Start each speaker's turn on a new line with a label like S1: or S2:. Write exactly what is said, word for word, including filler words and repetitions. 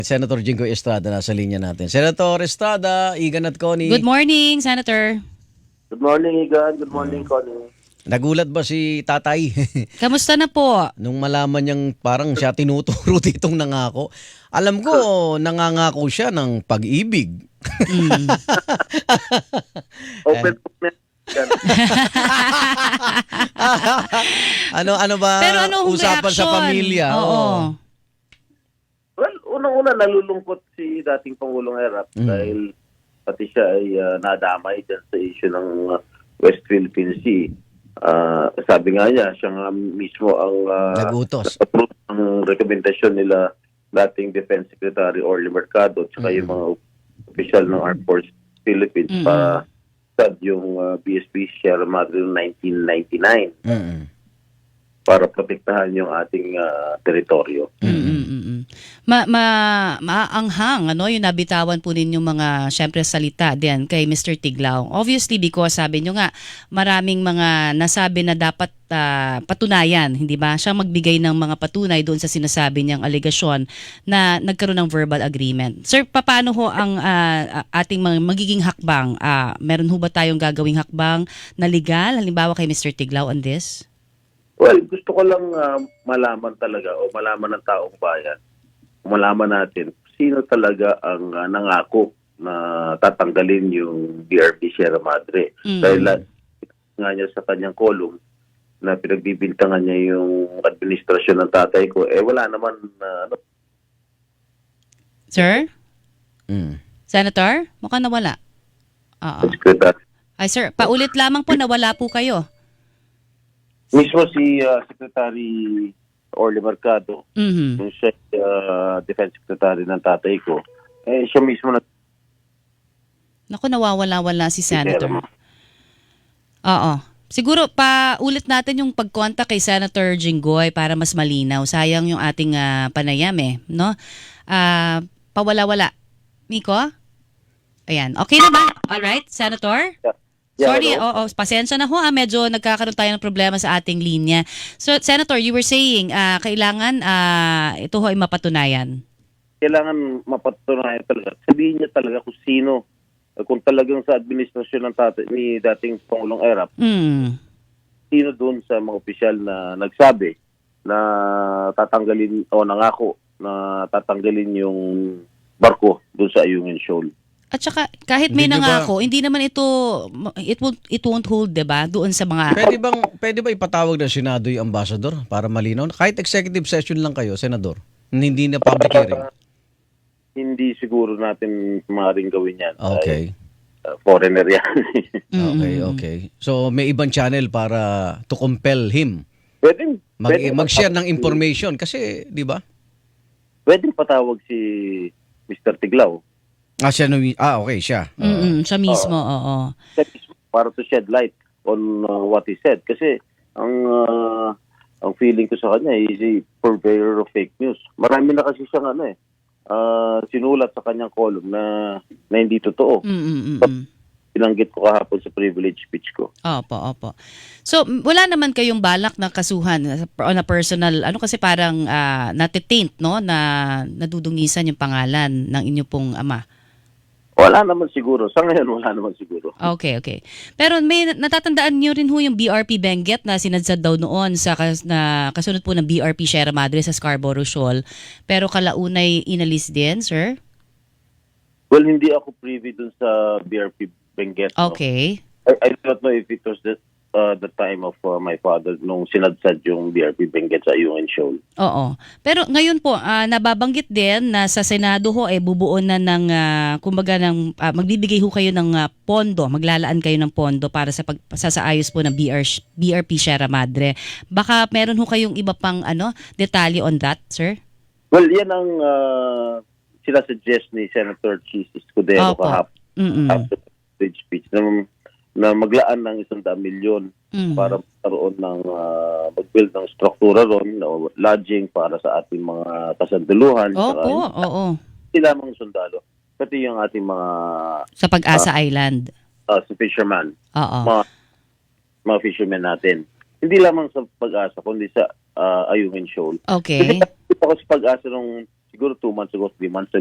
S1: Senator Jinggoy Estrada nasa linya natin. Senator Estrada, Igan at Connie.
S2: Good morning, Senator.
S3: Good morning, Igan. Good morning, Connie.
S1: Nagulat ba si tatay?
S2: Kamusta na po?
S1: Nung malaman niyang parang siya tinuturo ditong nangako. Alam ko, nangangako siya ng pag-ibig.
S2: Mm.
S3: Open po na.
S1: ano ano ba
S2: Pero anong
S1: usapan sa
S2: reaction?
S1: pamilya?
S2: Oo.
S3: Well, unang-una nalulungkot si dating Pangulong Erap
S1: Mm.
S3: dahil pati siya ay uh, nadamay dyan sa issue ng uh, West Philippine Sea. Uh, sabi nga niya, siya nga mismo ang uh,
S1: Nagutos.
S3: nag-approve ng rekomendasyon nila dating Defense Secretary Orly Mercado at saka
S1: Mm.
S3: yung mga opisyal ng Armed Forces Philippines
S2: Mm.
S3: para sa yung uh, B S P Sierra Madre noong nineteen ninety-nine
S1: Mm-mm.
S3: para protektahan yung ating uh, teritoryo.
S2: Mm-mm-mm. Ma ma maanghang ano yung nabitawan po ninyong mga syempre salita din kay Mister Tiglao. Obviously because sabi nyo nga maraming mga nasabi na dapat ah, patunayan, hindi ba? Siya magbigay ng mga patunay doon sa sinasabi niyang alegasyon na nagkaroon ng verbal agreement. Sir, paano ho ang ah, ating mga magiging hakbang? Ah, meron ho ba tayong gagawing hakbang na legal halimbawa kay Mister Tiglao on this?
S3: Well, gusto ko lang uh, malaman talaga o malaman ng taong bayan, malaman natin sino talaga ang uh, nangako na tatanggalin yung B R P Sierra Madre.
S2: Mm.
S3: Dahil uh, nga niya sa kanyang kolong na pinagbibintangan niya yung administrasyon ng tatay ko, eh wala naman uh, ano,
S2: Sir?
S1: Mm.
S2: Senator? Mukhang nawala. Oo.
S3: secretary.
S2: Ay sir, paulit lamang po nawala po kayo.
S3: Mismo si uh, Secretary Orly Mercado,
S2: Mhm.
S3: yung siya uh, Defense Secretary ng tatay ko, eh siya mismo na
S2: Naku, nawawala-wala si Senator. Oo. Siguro pa ulit natin yung pag-contact kay Senator Jinggoy para mas malinaw. Sayang yung ating ah, panayam eh, no? Ah, pawala-wala. Miko? Ayan. Okay na ba? All right, Senator?
S3: Yeah,
S2: Sorry,
S3: hello?
S2: oo, pasensya na ho ah, medyo nagkakaroon tayo ng problema sa ating linya. So, Senator, you were saying, ah, kailangan ah, ito ho ay mapatunayan.
S3: Kailangan mapatunayan talaga. Sabihin niya talaga kung sino, kung talagang sa administrasyon ng tatay, ni dating Pangulong Erap,
S2: Mm.
S3: sino doon sa mga opisyal na nagsabi na tatanggalin o nangako na tatanggalin yung barko doon sa Ayungin Shoal.
S2: At saka kahit may
S1: Hindi nyo ba-
S2: nangako, hindi naman ito it won't it won't hold, 'di ba? Doon sa mga
S1: Pwede bang pwede ba ipatawag ng Senado yung ambassador para malinaw? Kahit executive session lang kayo, Senador. Hindi na public hearing.
S3: Hindi siguro natin maaaring gawin yan.
S1: Okay.
S3: Dahil, uh, foreigner yan.
S1: Okay, okay. So may ibang channel para to compel him
S3: pwede,
S1: mag
S3: pwede
S1: mag-share ng
S3: patawag-
S1: information kasi, 'di ba?
S3: Pwede patawag si Mister Tiglao.
S1: Ah, siya nung- ah, okay, siya. Ah.
S2: Mm-mm, siya mismo, oo.
S3: Para to shed light on uh, what he said. Kasi ang uh, ang feeling ko sa kanya is a purveyor of fake news. Marami na kasi siyang ano eh, uh, sinulat sa kanyang column na, na hindi totoo.
S2: Mm-mm.
S3: Binanggit ko kahapon sa privilege speech ko.
S2: Opo, opo. So, m- wala naman kayong balak na kasuhan uh, on a personal, ano kasi parang uh, natitaint, no? Na nadudungisan yung pangalan ng inyo pong ama.
S3: Wala naman siguro. Sa ngayon, wala naman siguro.
S2: Okay, okay. Pero may natatandaan niyo rin ho yung B R P Benguet na sinadsad daw noon sa kas, na kasunod po ng B R P Sierra Madre sa Scarborough Shoal. Pero kalaunay inalis din, sir?
S3: Well, hindi ako privy dun sa B R P Benguet. no?
S2: Okay.
S3: I, I don't know if it was the, uh, the time of uh, my father nung sinadsad yung B R P Benguet sa Ayungin Shoal.
S2: Oo. Pero ngayon po, ah, nababanggit din na sa Senado ho, eh, bubuon na ng, ah, kumbaga, ng, ah, magbibigay ho kayo ng ah, pondo, maglalaan kayo ng pondo para sa pagsasaayos po ng B R, B R P Sierra Madre. Baka meron ho kayong iba pang ano, detalye on that, sir?
S3: Well, yan ang uh, sinasuggest ni Senator Chis Escudero
S2: Opo.
S3: kahapon
S2: Mm-mm.
S3: after the speech na, na maglaan ng isang daang milyon
S2: Mm.
S3: para magkaroon ng uh, mag-build ng struktura ron, no, lodging para sa ating mga kasanduluhan.
S2: Opo,
S3: saka
S2: oo.
S3: Hindi lamang sundalo, pati yung ating mga
S2: Sa Pag-asa Island.
S3: uh, sa fisherman,
S2: Oo.
S3: mga, mga fishermen natin. Hindi lamang sa Pag-asa, kundi sa uh, Ayungin Shoal.
S2: Okay.
S3: Kasi ako sa Pag-asa nung siguro two months ago, three months